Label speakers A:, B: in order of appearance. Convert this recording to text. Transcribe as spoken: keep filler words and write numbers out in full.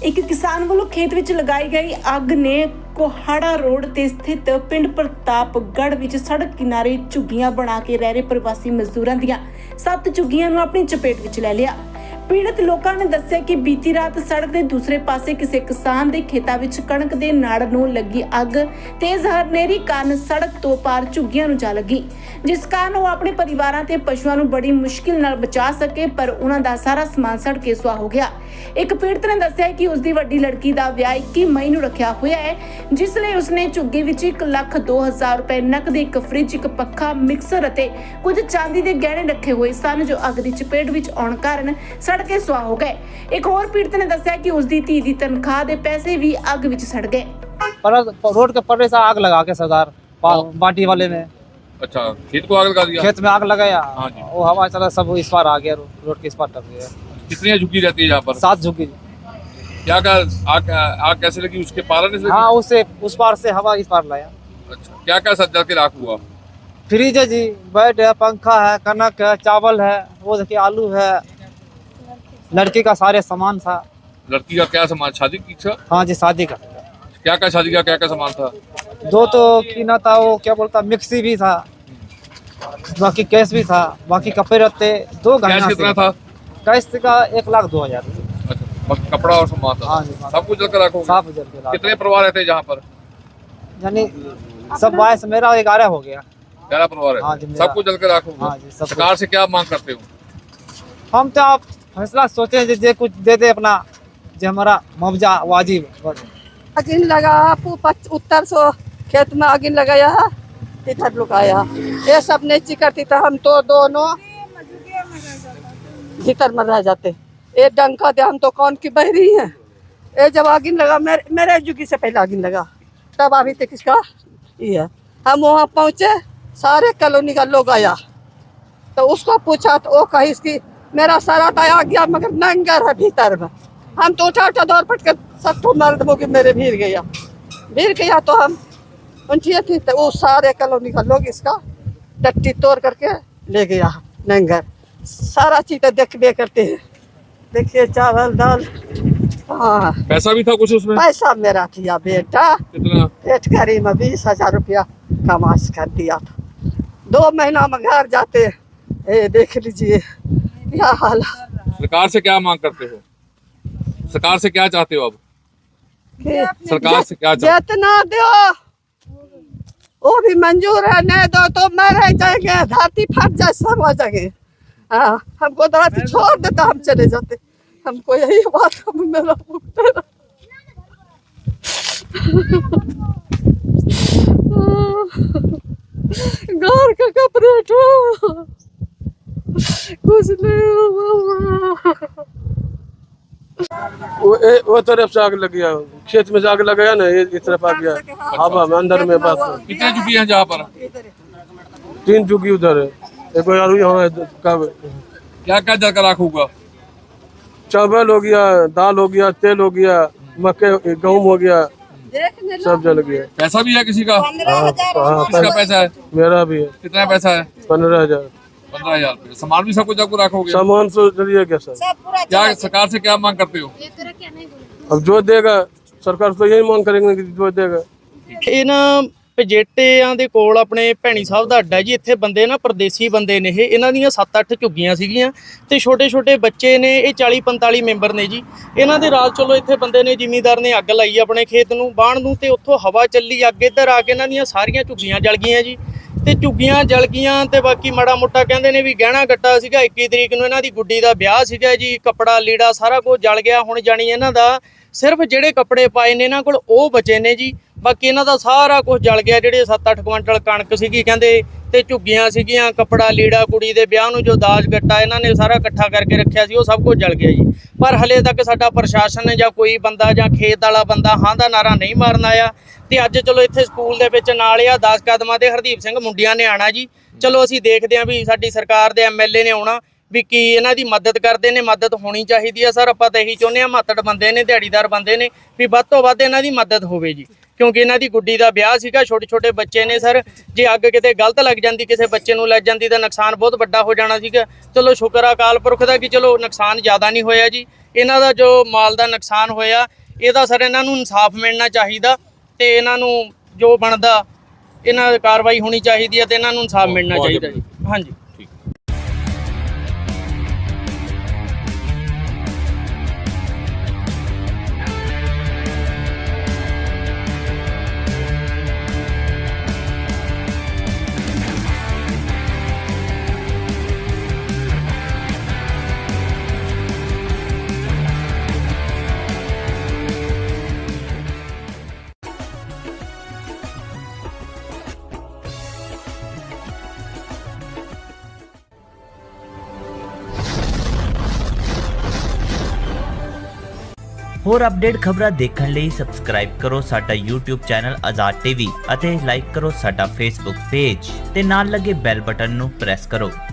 A: ਇੱਕ ਕਿਸਾਨ ਵੱਲੋਂ ਖੇਤ ਵਿੱਚ ਲਗਾਈ ਗਈ ਅੱਗ ਨੇ ਕੋਹਾੜਾ ਰੋਡ ਤੇ ਸਥਿਤ ਪਿੰਡ ਪ੍ਰਤਾਪਗੜ੍ਹ ਵਿੱਚ ਸੜਕ ਕਿਨਾਰੇ ਝੁੱਗੀਆਂ ਬਣਾ ਕੇ ਰਹਿ ਰਹੇ ਪ੍ਰਵਾਸੀ ਮਜ਼ਦੂਰਾਂ ਦੀਆਂ ਸੱਤ ਝੁੱਗੀਆਂ ਨੂੰ ਆਪਣੀ ਚਪੇਟ ਵਿੱਚ ਲੈ ਲਿਆ। ਪੀੜਤ ਲੋਕਾਂ ਨੇ ਦੱਸਿਆ ਕਿ ਬੀਤੀ ਰਾਤ ਸੜਕ ਦੇ ਦੂਸਰੇ ਪਾਸੇ ਕਿਸੇ ਕਿਸਾਨ ਦੇ ਖੇਤਾਂ ਵਿੱਚ ਕਣਕ ਦੇ ਨਾੜ ਨੂੰ ਲੱਗੀ ਅੱਗ ਤੇਜ਼ ਹਨੇਰੀ ਕਾਰਨ ਸੜਕ ਤੋਂ ਪਾਰ ਝੁੱਗੀਆਂ ਨੂੰ ਜਾ ਲੱਗੀ, ਜਿਸ ਕਾਰਨ ਉਹ ਆਪਣੇ ਪਰਿਵਾਰਾਂ ਤੇ ਪਸ਼ੂਆਂ ਨੂੰ ਬੜੀ ਮੁਸ਼ਕਿਲ ਨਾਲ ਬਚਾ ਸਕੇ, ਪਰ ਉਹਨਾਂ ਦਾ ਸਾਰਾ ਸਮਾਨ ਸੜ ਕੇ ਸੁਆਹ ਹੋ ਗਿਆ। ਇੱਕ ਪੀੜਤ ਨੇ ਦੱਸਿਆ ਕਿ ਉਸ ਦੀ ਵੱਡੀ ਲੜਕੀ ਦਾ ਵਿਆਹ ਇੱਕੀ ਮਈ ਨੂੰ ਰੱਖਿਆ ਹੋਇਆ ਹੈ, ਜਿਸ ਲਈ ਉਸਨੇ ਝੁੱਗੀ ਵਿੱਚ ਇੱਕ ਲੱਖ ਦੋ ਹਜ਼ਾਰ ਰੁਪਏ ਨਕਦ, ਇੱਕ ਫ੍ਰਿਜ, ਇੱਕ ਪੱਖਾ, ਮਿਕਸਰ ਅਤੇ ਕੁਝ ਚਾਂਦੀ ਦੇ ਗਹਿਣੇ ਰੱਖੇ ਹੋਏ ਸਨ, ਜੋ ਅੱਗ ਦੀ ਚਪੇਟ ਵਿੱਚ ਆਉਣ ਕਾਰਨ ਸੜ ਕੇ ਸੁਆਹ ਹੋ ਗਏ। ਇੱਕ ਹੋਰ ਪੀੜਤ ਨੇ ਦੱਸਿਆ ਕਿ ਉਸ ਦੀ ਧੀ ਦੀ ਤਨਖਾਹ ਦੇ ਪੈਸੇ भी आग ਵਿੱਚ सड़ गए।
B: पर रोड के पर्रे से आग लगा के सरदार बाटी वाले में।
C: अच्छा, खेत को आग लगा दिया?
B: खेत में आग लगाया।
C: हाँ जी।
B: वो हवा चला, सब इस पार आ गया, रोड के इस पार टप गया।
C: कितनी झुकी रहती है यहाँ पर?
B: सात झुकी।
C: क्या क्या आग आग कैसे लगी? उसके पारा से लगी?
B: हाँ, उससे उस पार से हवा इस पार लाया।
C: अच्छा, क्या क्या सब जल के राख हुआ?
B: फ्रिज है जी, बेड है, पंखा है, कनक है, चावल है, वो देखिए आलू है, लड़की का सारे सामान था।
C: लड़की का क्या सामान? शादी की इच्छा?
B: हाँ जी, शादी का।
C: क्या क्या शादी का क्या क्या सामान था?
B: दो तो कीना था, वो क्या बोलता, मिक्सी भी था, बाकी कैश भी था, बाकी कपड़े रहते, दो
C: कैश
B: गहना
C: कितना था?
B: कैश का एक लाख दो हजार।
C: अच्छा, बस कपड़ा और सामान था?
B: हाँ जी,
C: सब कुछ जल कर रखो?
B: साफ जल के लाख।
C: कितने परिवार रहते हैं जहाँ पर?
B: यानी सब बाईस, मेरा ग्यारह हो गया।
C: ग्यारह परिवार
B: हाँ
C: है,
B: जी, मेरा-
C: सब कुछ जल कर रखो?
B: हाँ जी, सब
C: सरकार से क्या मांग करते हो?
B: हम तो आप फैसला सोचे जे, जे कुछ दे दे अपना, जो हमारा मुआवजा वाजिब।
D: आगिन लगा, उत्तर सो खेत में आगिन लगाया, इधर लुकाया, ये सब नहीं करती तो हम तो दोनों भीतर में रह जाते। ये डंका दे, हम तो कौन की बहरी है। ये जब आगिन लगा, मेरे मेरे जुगी से पहले आगिन लगा, तब अभी तक इसका ये है। हम वहाँ पहुँचे, सारे कॉलोनी का लोग आया, तो उसको पूछा तो वो कही इसकी मेरा सारा तो आ गया, मगर नंगर है भीतर में। हम तो उठा उठा दौड़ पट कर सब मर्द हो के मेरे भीड़ गया भीड़ गया तो हम उनकी थी, तो वो सारे कॉलोनी का लोग इसका टट्टी तोड़ करके ले गया नंगर। सारा चीज तो देखबे करते हैं, देखिए चावल दाल। हाँ,
C: पैसा भी था कुछ उसमें?
D: पैसा मेरा किया बेटा,
C: कितना?
D: पेट करी में बीस हजार रुपया कमाश कर दिया था। दो महीना में घर जाते, ए, देख लीजिए क्या हाल है।
C: सरकार से क्या मांग करते हो? सरकार से क्या चाहते हो? अब सरकार से क्या चाहते?
D: जितना दो वो भी मंजूर है, नहीं दो तो मैं रह जाएंगे, धरती फट जाए सब आ जाएंगे। हाँ, हमको धरती छोड़ दे तो हम चले जाते, हमको यही बात हम मेरा घर का कपड़े उठो, कुछ नहीं हुआ।
E: वो ए, वो तरफ से आग लग गया, खेत में से आग लगाया ना, ये इस तरफ आ गया हवा में अंदर में। बस
C: कितने झुकी हैं जहाँ पर?
E: तीन झुकी उधर है, एक और यहाँ है।
C: क्या क्या जल कर राख हुआ?
E: चावल हो गया, दाल हो गया, तेल हो गया, मक्के गेहूँ हो गया, सब जल गया।
C: पैसा भी है किसी का?
E: हाँ, हाँ,
C: किसका पैसा है?
E: मेरा भी है।
C: कितना पैसा है?
E: पंद्रह हजार।
C: पंद्रह हजार रुपये। सामान भी सब कुछ आपको रखोगे?
E: सामान तो चलिए क्या सर।
C: क्या सरकार से क्या मांग करते हो?
E: अब जो देगा सरकार तो यही मांग करेंगे कि जो देगा।
F: ਇਹਨਾਂ ਪਜੇਟਿਆਂ ਦੇ ਕੋਲ ਆਪਣੇ ਭੈਣੀ ਸਾਹਿਬ ਦਾ ਅੱਡਾ ਜੀ। ਇੱਥੇ ਬੰਦੇ ਨਾ ਪਰਦੇਸੀ ਬੰਦੇ ਨੇ, ਇਹ ਇਹਨਾਂ ਦੀਆਂ ਸੱਤ ਅੱਠ ਝੁੱਗੀਆਂ ਸੀਗੀਆਂ ਤੇ ਛੋਟੇ ਛੋਟੇ ਬੱਚੇ ਨੇ। ਇਹ ਚਾਲੀ ਪੰਤਾਲੀ ਮੈਂਬਰ ਨੇ ਜੀ। ਇਹਨਾਂ ਦੇ ਰਾਤ ਚਲੋ ਇੱਥੇ ਬੰਦੇ ਨੇ, ਜ਼ਿਮੀਂਦਾਰ ਨੇ ਅੱਗ ਲਾਈ ਆਪਣੇ ਖੇਤ ਨੂੰ ਬਾਣ ਨੂੰ, ਤੇ ਉੱਥੋਂ ਹਵਾ ਚੱਲੀ, ਅੱਗ ਇੱਧਰ ਆ ਕੇ ਇਹਨਾਂ ਦੀਆਂ ਸਾਰੀਆਂ ਝੁੱਗੀਆਂ ਜਲ ਗਈਆਂ ਜੀ। ਤੇ ਝੁੱਗੀਆਂ ਜਲ ਗਈਆਂ ਤੇ ਬਾਕੀ ਮਾੜਾ ਮੋਟਾ ਕਹਿੰਦੇ ਨੇ ਵੀ ਗਹਿਣਾ ਗੱਟਾ ਸੀਗਾ, ਇੱਕੀ ਤਰੀਕ ਨੂੰ ਇਹਨਾਂ ਦੀ ਗੁੱਡੀ ਦਾ ਵਿਆਹ ਸੀਗਾ ਜੀ, ਕੱਪੜਾ ਲੀੜਾ ਸਾਰਾ ਕੁਝ ਜਲ ਗਿਆ। ਹੁਣ ਜਾਣੀ ਇਹਨਾਂ ਦਾ ਸਿਰਫ ਜਿਹੜੇ ਕੱਪੜੇ ਪਾਏ ਨੇ ਇਹਨਾਂ ਕੋਲ ਉਹ ਬਚੇ ਨੇ ਜੀ, ਬਾਕੀ ਇਹਨਾਂ ਦਾ ਸਾਰਾ ਕੁਝ ਜਲ ਗਿਆ। ਜਿਹੜੇ ਸੱਤ ਅੱਠ ਕੁਇੰਟਲ ਕਣਕ ਸੀਗੀ ਕਹਿੰਦੇ, ਤੇ ਝੁੱਗੀਆਂ ਸੀਗੀਆਂ, ਕੱਪੜਾ ਲੀੜਾ, ਕੁੜੀ ਦੇ ਵਿਆਹ ਨੂੰ ਜੋ ਦਾਜ ਗੱਟਾ ਇਹਨਾਂ ਨੇ ਸਾਰਾ ਇਕੱਠਾ ਕਰਕੇ ਰੱਖਿਆ ਸੀ, ਉਹ ਸਭ ਕੁਝ ਜਲ ਗਿਆ ਜੀ। ਪਰ ਹਲੇ ਤੱਕ ਸਾਡਾ ਪ੍ਰਸ਼ਾਸਨ ਜਾਂ ਕੋਈ ਬੰਦਾ ਜਾਂ ਖੇਤ ਵਾਲਾ ਬੰਦਾ ਹਾਂ ਦਾ ਨਾਰਾ ਨਹੀਂ ਮਾਰਨ ਆਇਆ। ਤੇ ਅੱਜ ਚਲੋ ਇੱਥੇ ਸਕੂਲ ਦੇ ਵਿੱਚ ਨਾਲ ਆ ਦਸ ਕਦਮਾਂ ਦੇ ਹਰਦੀਪ ਸਿੰਘ ਮੁੰਡਿਆਂ ਨੇ ਆਣਾ ਜੀ। ਚਲੋ ਅਸੀਂ ਦੇਖਦੇ ਹਾਂ ਵੀ ਸਾਡੀ ਸਰਕਾਰ ਦੇ ਐਮ ਐਲ ਏ ਨੇ ਆਉਣਾ, ਵੀ ਕੀ ਇਹਨਾਂ ਦੀ ਮਦਦ ਕਰਦੇ ਨੇ। ਮਦਦ ਹੋਣੀ ਚਾਹੀਦੀ ਆ ਸਰ, ਆਪਾਂ ਤਾਂ ਇਹੀ ਚਾਹੁੰਦੇ ਹਾਂ। ਮਾਤੜ ਬੰਦੇ ਨੇ, ਦਿਹਾੜੀਦਾਰ ਬੰਦੇ ਨੇ, ਵੀ ਵੱਧ ਤੋਂ ਵੱਧ ਇਹਨਾਂ ਦੀ ਮਦਦ ਹੋਵੇ ਜੀ, ਕਿਉਂਕਿ ਇਹਨਾਂ ਦੀ ਗੁੱਡੀ ਦਾ ਵਿਆਹ ਸੀਗਾ, ਛੋਟੇ ਛੋਟੇ ਬੱਚੇ ਨੇ ਸਰ। ਜੇ ਅੱਗ ਕਿਤੇ ਗਲਤ ਲੱਗ ਜਾਂਦੀ, ਕਿਸੇ ਬੱਚੇ ਨੂੰ ਲੱਗ ਜਾਂਦੀ ਤਾਂ ਨੁਕਸਾਨ ਬਹੁਤ ਵੱਡਾ ਹੋ ਜਾਣਾ ਸੀਗਾ। ਚਲੋ ਸ਼ੁਕਰ ਆ ਅਕਾਲ ਪੁਰਖ ਦਾ ਕਿ ਚਲੋ ਨੁਕਸਾਨ ਜ਼ਿਆਦਾ ਨਹੀਂ ਹੋਇਆ ਜੀ। ਇਹਨਾਂ ਦਾ ਜੋ ਮਾਲ ਦਾ ਨੁਕਸਾਨ ਹੋਇਆ ਇਹਦਾ ਸਰ ਇਹਨਾਂ ਨੂੰ ਇਨਸਾਫ ਮਿਲਣਾ ਚਾਹੀਦਾ ਤੇ ਇਹਨਾਂ ਨੂੰ ਜੋ ਬਣਦਾ ਇਹਨਾਂ ਦੀ ਕਾਰਵਾਈ ਹੋਣੀ ਚਾਹੀਦੀ ਹੈ ਤੇ ਇਹਨਾਂ ਨੂੰ ਇਨਸਾਫ ਮਿਲਣਾ ਚਾਹੀਦਾ ਜੀ। ਹਾਂਜੀ।
G: ਹੋਰ ਅਪਡੇਟ ਖਬਰਾਂ ਦੇਖਣ ਲਈ ਸਬਸਕ੍ਰਾਈਬ ਕਰੋ ਸਾਡਾ YouTube ਚੈਨਲ ਆਜ਼ਾਦ ਟੀਵੀ ਅਤੇ ਲਾਈਕ ਕਰੋ ਸਾਡਾ Facebook ਪੇਜ ਤੇ ਨਾਲ ਲੱਗੇ ਬੈਲ ਬਟਨ ਨੂੰ ਪ੍ਰੈਸ ਕਰੋ।